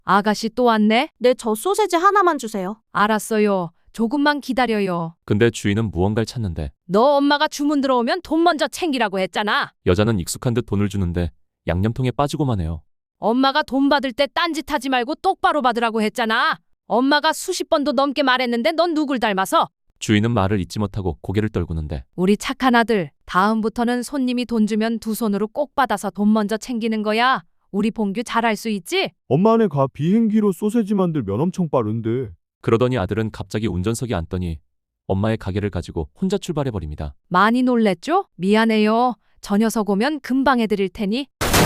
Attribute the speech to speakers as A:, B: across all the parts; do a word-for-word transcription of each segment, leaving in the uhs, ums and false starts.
A: 아가씨 또 왔네?
B: 네, 저 소세지 하나만 주세요.
A: 알았어요. 조금만 기다려요.
C: 근데 주인은 무언가를 찾는데
A: 너 엄마가 주문 들어오면 돈 먼저 챙기라고 했잖아.
C: 여자는 익숙한 듯 돈을 주는데 양념통에 빠지고만 해요.
A: 엄마가 돈 받을 때 딴짓하지 말고 똑바로 받으라고 했잖아. 엄마가 수십 번도 넘게 말했는데 넌 누굴 닮아서?
C: 주인은 말을 잊지 못하고 고개를 떨구는데
A: 우리 착한 아들, 다음부터는 손님이 돈 주면 두 손으로 꼭 받아서 돈 먼저 챙기는 거야. 우리 봉규 잘할 수 있지?
D: 엄마네 가 비행기로 소세지 만들면 엄청 빠른데.
C: 그러더니 아들은 갑자기 운전석에 앉더니 엄마의 가게를 가지고 혼자 출발해버립니다.
A: 많이 놀랬죠? 미안해요. 저 녀석 오면 금방 해드릴 테니.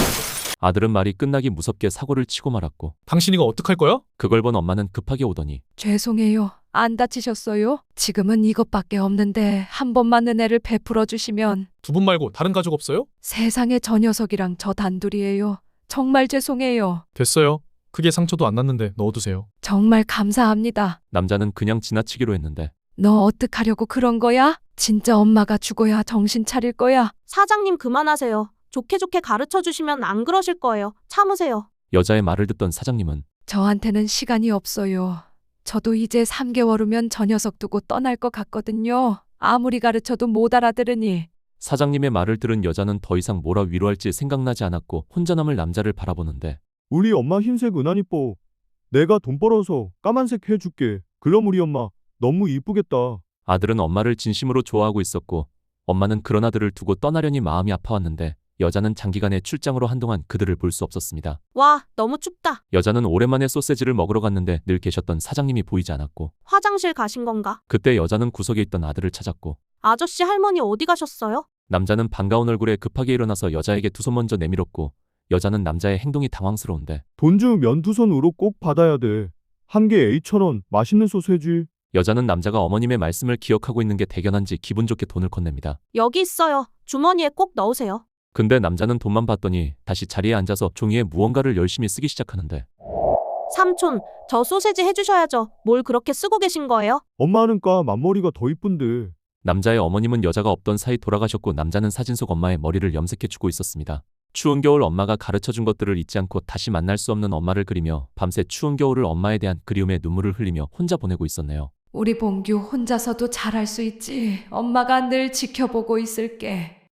C: 아들은 말이 끝나기 무섭게 사고를 치고 말았고
E: 당신 이거 어떡할 거야?
C: 그걸 본 엄마는 급하게 오더니
A: 죄송해요. 안 다치셨어요? 지금은 이것밖에 없는데 한 번만 은혜를 베풀어 주시면.
E: 두 분 말고 다른 가족 없어요?
A: 세상에 저 녀석이랑 저 단둘이에요. 정말 죄송해요.
E: 됐어요. 크게 상처도 안 났는데 넣어두세요.
A: 정말 감사합니다.
C: 남자는 그냥 지나치기로 했는데
A: 너 어떡하려고 그런 거야? 진짜 엄마가 죽어야 정신 차릴 거야.
B: 사장님 그만하세요. 좋게 좋게 가르쳐 주시면 안 그러실 거예요. 참으세요.
C: 여자의 말을 듣던 사장님은
A: 저한테는 시간이 없어요. 저도 이제 삼 개월 후면 저 녀석 두고 떠날 것 같거든요. 아무리 가르쳐도 못 알아들으니.
C: 사장님의 말을 들은 여자는 더 이상 뭐라 위로할지 생각나지 않았고 혼자 남을 남자를 바라보는데
D: 우리 엄마 흰색 은한 이뻐. 내가 돈 벌어서 까만색 해줄게. 그럼 우리 엄마 너무 이쁘겠다.
C: 아들은 엄마를 진심으로 좋아하고 있었고 엄마는 그런 아들을 두고 떠나려니 마음이 아파왔는데 여자는 장기간의 출장으로 한동안 그들을 볼 수 없었습니다.
B: 와, 너무 춥다.
C: 여자는 오랜만에 소세지를 먹으러 갔는데 늘 계셨던 사장님이 보이지 않았고
B: 화장실 가신 건가?
C: 그때 여자는 구석에 있던 아들을 찾았고
B: 아저씨 할머니 어디 가셨어요?
C: 남자는 반가운 얼굴에 급하게 일어나서 여자에게 두 손 먼저 내밀었고 여자는 남자의 행동이 당황스러운데
D: 돈 주면 두 손으로 꼭 받아야 돼. 한 개 에이천 원 맛있는 소세지.
C: 여자는 남자가 어머님의 말씀을 기억하고 있는 게 대견한지 기분 좋게 돈을 건넵니다.
B: 여기 있어요. 주머니에 꼭 넣으세요.
C: 근데 남자는 돈만 받더니 다시 자리에 앉아서 종이에 무언가를 열심히 쓰기 시작하는데
B: 삼촌, 저 소세지 해주셔야죠. 뭘 그렇게 쓰고 계신 거예요?
D: 엄마는 까 맞머리가 더 이쁜데.
C: 남자의 어머님은 여자가 없던 사이 돌아가셨고 남자는 사진 속 엄마의 머리를 염색해주고 있었습니다. 추운 겨울 엄마가 가르쳐준 것들을 잊지 않고 다시 만날 수 없는 엄마를 그리며 밤새 추운 겨울을 엄마에 대한 그리움에 눈물을 흘리며 혼자 보내고 있었네요.
A: 우리 봉규 혼자서도 잘할 수 있지. 엄마가 늘 지켜보고 있을게.